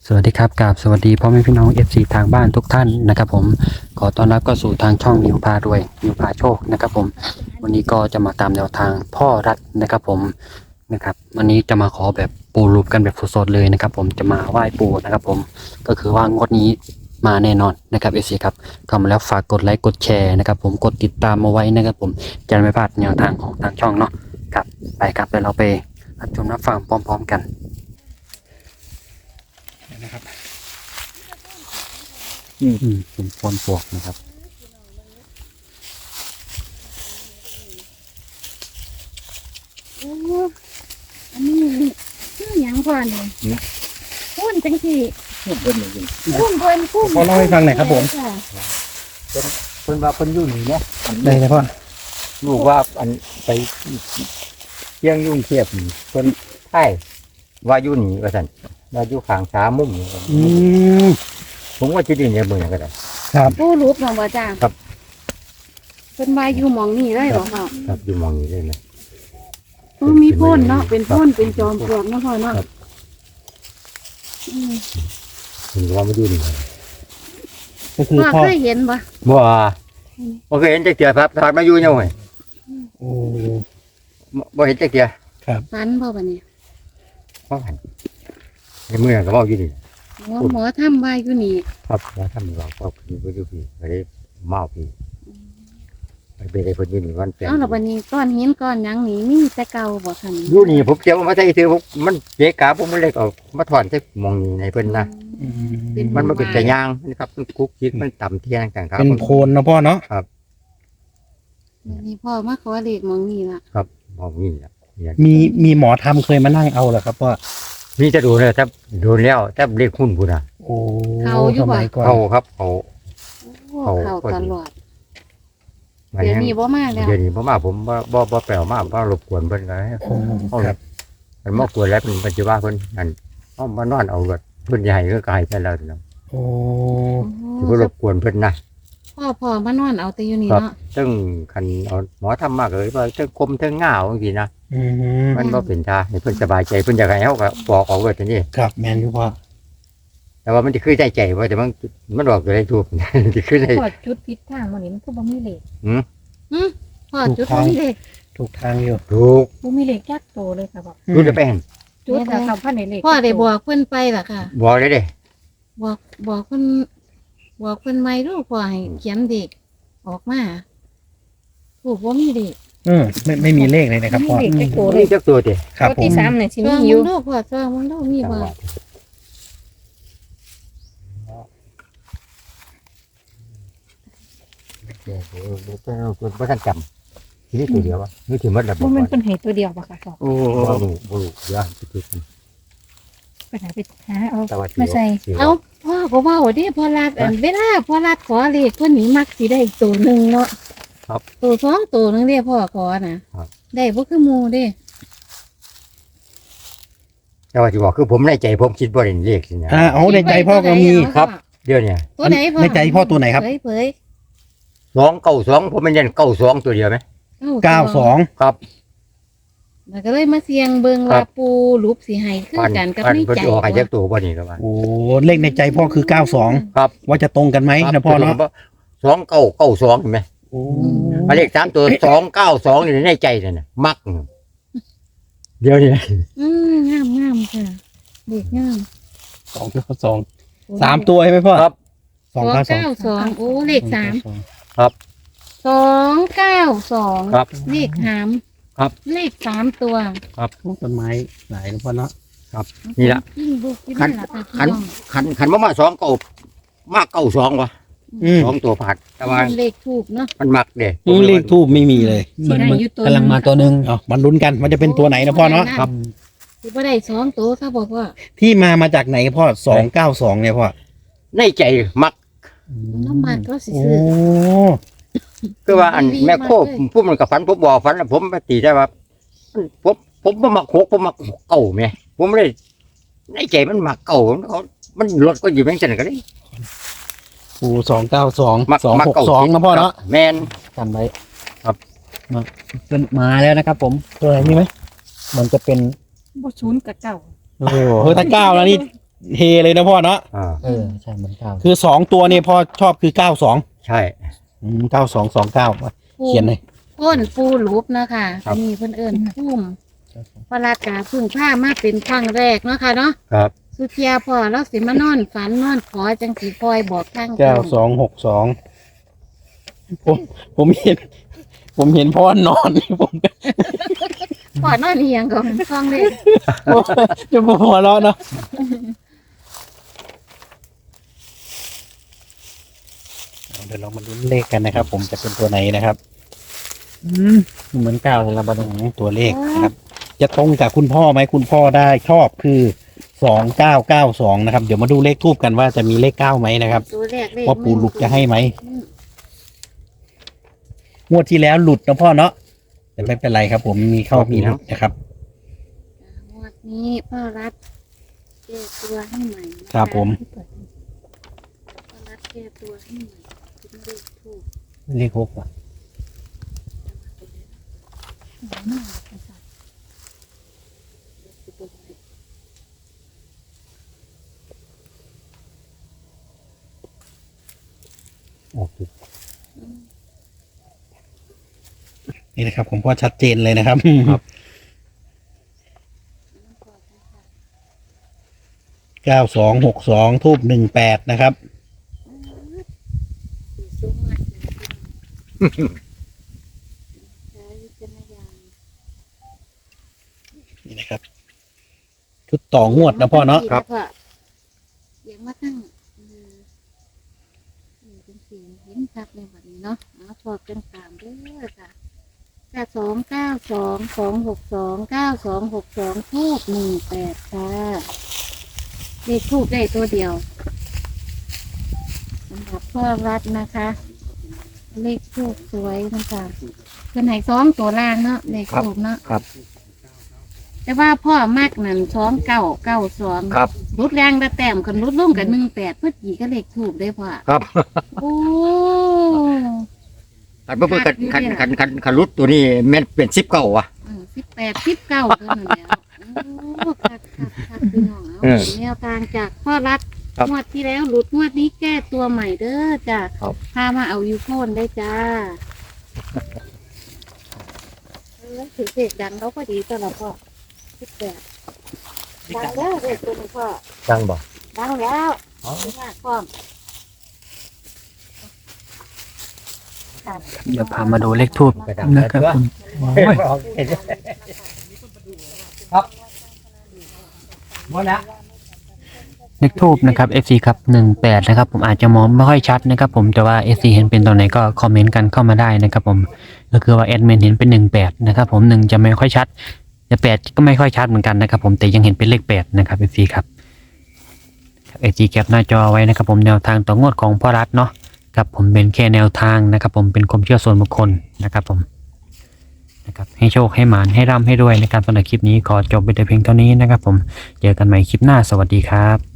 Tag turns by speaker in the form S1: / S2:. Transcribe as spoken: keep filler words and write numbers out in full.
S1: สวัสดีครับกราบสวัสดีพ่อแม่พี่น้อง เอฟ ซี ทางบ้านทุกท่านนะครับผมขอต้อนรับก็สู่ทางช่องนิวพารวยนิวพาโชคนะครับผมวันนี้ก็จะมาตามแนวทางพ่อรัฐนะครับผมนะครับวันนี้จะมาขอแบบปูรูปกันแบบสดๆเลยนะครับผมจะมาไหว้ปู่นะครับผมก็คือว่างวดนี้มาแน่นอนนะครับ เอฟ ซี ครับเข้ามาแล้วฝากกดไลค์กดแชร์นะครับผมกดติดตามมาไว้นะครับผมจะไม่พลาดแนวทางของทางช่องเนาะครับไปครับเดี๋ยวเราไปรับชมรับฟังพร้อมๆกันนะครับอืมเป็นพรปลวกนะครับ
S2: โอ้อันนี้ชื่อหยังก่อนเนี่ยพุ่นจังสี่
S3: พูดเพิ่นนี่
S2: พุ่นเพิ่นพุ่น
S1: ขอเล่าให้ฟังหน่อยครับผม
S2: ค่ะ
S3: เพิ่นเพิ่นว่าเพิ่นอยู่นี่เนาะ
S1: ได้เลยพ่อ
S3: ลูกว่าอันไปเที่ยงยุ่งเทียบนี่เพิ่นไถ่ว่าอยู่นี่ว่าซั่นว่าอยู่ข้างสามุมนี่
S1: อืม
S3: ผมว่าสิไดินเนี่ยเบิ่งก็ได้
S1: ครับ
S2: ผู้รูปของบ่จ้า
S3: ครับ
S2: เพิ่นว่าอยู่หมองนี่ได้หรอค่ะ
S3: ครับอยู่มองนี่เลยนะ
S2: เออมีพ่นเนาะเป็นพ่นเป็นจอมปลวกเนาะพ่อเนาะ
S3: ครับ
S2: อืม
S3: เพิ่นว่ามาอยู่นี่
S1: ก็คือ
S2: พ่อ
S1: พ่อ
S2: เคยเห็นบ่
S3: บ่บ่เคยเห็นจักเที่ยครับถากมาอยู่ยังไง
S1: โอ้
S3: บ่เห็นจักเที่ย
S2: ฟันพ่อบัดนี้
S3: บ่หันในเมืองก็เว้าอยู่นี่
S2: หมอหมอทำว่าอยู่นี่
S3: ครับว่าทำเราก็คือบ่อยู่พี่ก็ได้เมาพี่ไปไปได้เพิ่นอยู่นี่วันแปลง
S2: เอ้าแล้วบัดนี้ก้อนหินก้อนหยังนี่มีแต่เก่าบ่คั่น
S3: อยู่นี่ผมเจ้ามาใส่ซื้อผมมันเจ๊กาผมมันเลยเอามาถอนใส่หมองนี่ในเพิ่นนะ
S1: อืม
S3: มันมันเป็นแต่ยางนะครับมันคุกคิกมันต่ำเทียงต่างครับ
S1: เป็นโคนนะพ่อเนาะ
S2: นี่พ่อมาขอเลขหมองนี่ล่ะ
S3: ครับหมองนี่แหละเนี่ย
S1: มีมีหมอทำเคยมานั่งเอาเหรอครับพ่อ
S3: นี่จะดูเลยถ้าโดนแล้วถ้าเรียกหุ้นพุ่นอ่ะ
S1: โอ้สมัยก่อน
S3: เขาครับเขา
S2: โอ้
S3: เอา
S2: เข้าตลอด
S3: มา
S2: เดี๋ยว
S3: เนี้
S2: นี้บ่มาแล้ว
S3: เดี๋ยวนี้ผมมาผมบ่บ่บ่แปลวมาบ่รบกวนเพิ่นก็ให้
S1: โอ้ครับ
S3: มันมากวนแล้วเป็นปัจจุบันเพิ่นนั่นเอามานอนเอารถเพิ่นใหญ่ก็กลายไปแล้วเนาะ
S1: โอ้
S3: สิบ่รบกวนเพิ่นนะ
S2: พ่อพ่อมานอนเอาแต่อยู่นี่
S3: ครับ
S2: เนาะ
S3: ซึ่งคันเอาหมอทำมากเลยว่าเทั้งคมเทั้งง่าวจังซี่นะ
S1: อืม
S3: มันบ่เป็นท่าให้เพิ่นสบายใจเพิ่นอยากให้เฮาก็บอกออกเบิดทีนี้
S1: ครับแมนอยู่พ่อ
S3: แต่ว่ามันจะคือใจใจว่าแต่มันมันออกอยู่ได้ถูก จะคือได้
S4: พอจุดพิษทางมันนี่มันก็บ่มีเหล็ก
S2: พ่อจุดบ่มีเลข
S1: ถูกทางอยู่
S3: ถูก
S4: บ่มีเหล็กจักโตเลยค่ะบอก
S3: รู้จะไปหัน
S4: จุดแต่เขาพันในเหล็ก
S2: พ่อได้บอกเพิ่นไปล่ะค่ะ
S3: บอกเลยเด้
S2: บอกบอกเพิ่นบอกเพิ่นไม่รู้พ่อให้เขียนเด็กออกมาถูกว่ามีเด็ก
S1: เออไม่ไม่มีเลขเลยนะครับ
S4: มี
S1: พ่อ
S4: เหล็กจักโตเล
S3: นี่
S4: ย
S3: จักตัวเด้
S1: ครับ
S4: ตัว
S1: ผ
S4: ที่
S1: ม
S4: สามเนี่ยสิ
S2: เจ้า
S4: มีอ
S2: มึ
S4: ยู่
S2: งลูกพ่อเจ้ามึงลูกมีบ่
S3: เดี๋ยวเดี๋ยวเดี๋ยวเดี๋ยวบ่ทันจำทีนี้ตัวเดียววะนี่ถือมันระบบ
S4: บ่มันเป็นเหตุตัวเดียวบ่ค่ะบอก
S3: โอ้บ่รู้บ่รู้เดี๋ยวสิคิด
S4: ไปหาไปหาเอา
S3: แต่ว่า
S4: มาใส่
S2: เอ้าพ่อก็เว้าดิพ่อรัดอันเวลาพ่อรัดขอเลขเพิ่นนี่มักสิได้ตัวหนึงเนาะตัวสองตัวหนึงเด้พ่อขอน่ะได้บ่คือหมู่เด้
S3: แต่ว่าสิบอกคือผมในใจผมคิดบ่ได้เลขสินะ
S1: อ่าเอาในใจพ่อก็มี
S3: ครับ เดี๋ยวเนี่ย
S2: ตัวไหนพ่อ
S1: ในใจพ่อตัวไหนครับ
S2: เผยเผย
S3: สองเก้าสองผมมันยันเก้าสองตัวเดียวไหม
S1: เก้าสอง
S3: ครับ
S2: แล้วก็เลยมาเสี่ยงเบิ่ง
S3: ครั
S2: ว่า
S3: บ
S2: ปูรูปสิให้คือ
S3: พัน
S2: กันกับ
S3: พัน
S2: ใน
S3: เพิ่น
S2: ใจ
S3: สิออกให้จักตัวบ่นี่ก็ว่า
S1: โอ้เลขในใจพ่อคือเก้าสอง
S3: ครับ
S1: ว่าจะตรงกันไหมนะพ่อเนาะ
S3: สองเก้าเก้าสองเห็นไหม
S1: โอ้
S3: มาเลขสามตัวสองเก้าสองนี่ในใจนั่นน่ะมัก เดี๋ยวนี้
S2: อืมงามงามค่ะเด็กงาม
S1: สองเก้าสองสามตัวใช่ไหมพ่อ
S3: ครับ
S1: สองเก้าสอง
S2: เก้าสองโอ้เลขสาม
S3: ครับ
S2: สองเก้าสอง
S3: ครับ
S2: เลขหาม
S3: ครับ
S2: เลขสามตัว
S1: ต้นไม้หลายนะพ่อเนาะ
S3: นี่ล่ะ
S2: ยิ่งบุกยิ่ง
S3: ขัน
S2: หลับตา
S3: ขัน ขันขันมามาสองเก้ามากเก้าสองวะ
S1: อืม
S3: สองตัวผัดแต่ว่า
S2: เลขถูกเนาะ
S3: มันมักเด้
S1: อืมเลขทูบไม่มีเลย
S4: สิได้อยู่ตัว
S1: กำลังมาตัวหนึ่งอ๋อมันลุ้นกันมันจะเป็นตัวไหนนะพ่อเนาะ
S3: ครับ
S2: คือว่าได้สองตัวเขาบอกว่า
S1: ที่มามาจากไหนพ่อสองเก้าสองเนี่ยพ่อ
S3: ในใจมัก
S2: น้ำมันก็สิ
S1: โอ้
S2: ซื้อ
S3: คือว่าอันแม่โคบพูดมันกับฝันผมบอกฝันแล้วผมไปตีได้ว่าผมผมบ่มักหกผมมักเก่าแม่ผมเลยในใจมันมักเก่ามันเอามันรถก็อยู่แบงค์จันก็ได้
S1: โอ้สองเก้าสอง
S3: มัก
S1: สอง
S3: มัก
S1: หก
S3: เก่า
S1: สองนะพ่อเนาะ
S3: แมน
S1: กันไว้
S3: ครับ
S1: มาเป็นมาแล้วนะครับ ผมตัวไหนนี่ไหมมันจะเป็น
S4: บ่ศูนย์กับเก้า
S1: โอ้โหถ้าเก้าแล้วนี่
S5: เฮเลยนะพ่อเนาะ
S3: อ่า
S1: เออใช่เหมือนเก้า
S5: คือสองตัวนี่พ่อชอบคือเก้าสอง
S3: ใช่
S5: เก้าสองสองเก้าเขียนเลย
S2: ก้นปูรูปนะคะ
S3: ครับ
S2: อันนี้เพิ่นเอิ้นพุ่มพระราชกาเพึ่งผ้ามาเป็นครั้งแรกเนาะค่ะเนาะ
S3: ครับ
S2: สุเทียพ่อเราสิมานอนฝันนอนขอจังสีคอยบอกทาง
S5: เก้าสองหกสองผมผมเห็น ผมเห็นพ่อนอนผม
S2: พ่อนอนเอียงก่อนคล้องเลย
S5: จะหัวเราะเนาะเดี๋ยวเรามาลุ้นเลขกันนะครับ ผมจะเป็นตัวไหนนะครับ อืม
S1: เหมือนเก้าเลยละบัดนี้
S5: ตัวเลขนะครับ จะตรงกับคุณพ่อไหมคุณพ่อได้ชอบคือสองเก้าเก้าสองนะครับ เดี๋ยวมาดูเลขทูบกันว่าจะมีเลขเก้าไหมนะครับ
S2: ตัวแรกเลข
S5: ว่าปู่หลุกจะให้ไหม
S2: อืม
S5: งวดที่แล้วหลุดนะพ่อเนาะแต่ไม่เป็นไรครับ ผมมีเข้ามีหลุดนะครับ
S2: งวดนี้พ่อรัฐแก้ตัวให้ใหม่นะะ
S5: ครับผม
S2: พ่อรัฐแก้ตัวให้ใหม่คิดเลขถูก
S1: เลขหกว่ะ
S3: โอเค
S5: นี่นะครับ ผมพ่อชัดเจนเลยนะครับ เก้าสองหกสองทูบหนึ่งแปดนะครับ
S2: สีส้มมากเลยใช้วิจารณญาณ
S5: นี่นะครับ ชุดต่องวดนะพ่อเนาะ
S2: ครับเสียงมาตั้งเออเออเป็นเสียงเห็นชัดเลยแบบนี้เนาะเอาชอบกันตามเด้อค่ะเก้าสองเก้าสองสองหกสองเก้าสองหกสองทูบหนึ่งแปดค่ะเลขทูบได้ตัวเดียวสำหรับพ่อรัฐนะคะ เลขทูบสวยนะคะเป็นไหนสองตัวล่างเนาะเลขทูบเนาะ
S3: ครับ
S2: แต่ว่าพ่อมากนั่นสองเก้าเก้าสอง
S3: ครับ
S2: รุดแรงแต่แต้มกันรุดลุ่งกันหนึ่งแปดเพื่อจีก็เลขถูกได้พ่อ
S3: ครับ
S2: โอ้
S3: คันเพิ่นคันคันคันคันคันรุดตัวนี้แม่นเป็นสิบเก้าวะ
S2: สิบแปดสิบเก้าเท่านั้นแล้วโอ้คักคักคักพี่น้องเอา
S3: เออ
S2: เป็นแนวทางจากพ่อรัฐ
S3: ครับ
S2: งวดที่แล้วหลุดงวดนี้แก้ตัวใหม่เด้อจ้ะ
S3: ครับ
S2: พามาเอายูโคนได้จ้าเออถือเสียงดังเขาพอดีตลอดพ่อสิบแปดดังแล้วเด็กตัวนี้พ่อ
S3: จังบ่
S2: ดังแล้วไม่ยากพร้อม
S1: เดี๋ยวพามาดูเลขทูบนะครับผมโอ้ย
S3: ครับหมดแล้ว
S1: เลขทูบนะครับ เอฟ ซี ครับหนึ่งแปดนะครับผมอาจจะมองไม่ค่อยชัดนะครับผมแต่ว่า เอฟ ซี เห็นเป็นตัวไหนก็คอมเมนต์กันเข้ามาได้นะครับผมก็คือว่าแอดมินเห็นเป็นหนึ่งแปดนะครับผมหนึ่งจะไม่ค่อยชัดแต่แปดก็ไม่ค่อยชัดเหมือนกันนะครับผมแต่ยังเห็นเป็นเลขแปดนะครับ เอฟ ซี ครับ เอฟ ซี แคปหน้าจอไว้นะครับผมแนวทางต่องวดของพ่อรัฐเนาะครับผมเป็นแค่แนวทางนะครับผมเป็นความเชื่อส่วนบุคคลนะครับผมนะครับให้โชคให้หมานให้ร่ำให้รวยในการสำหรับคลิปนี้ขอจบไปแต่เพียงเท่านี้นะครับผมเจอกันใหม่คลิปหน้าสวัสดีครับ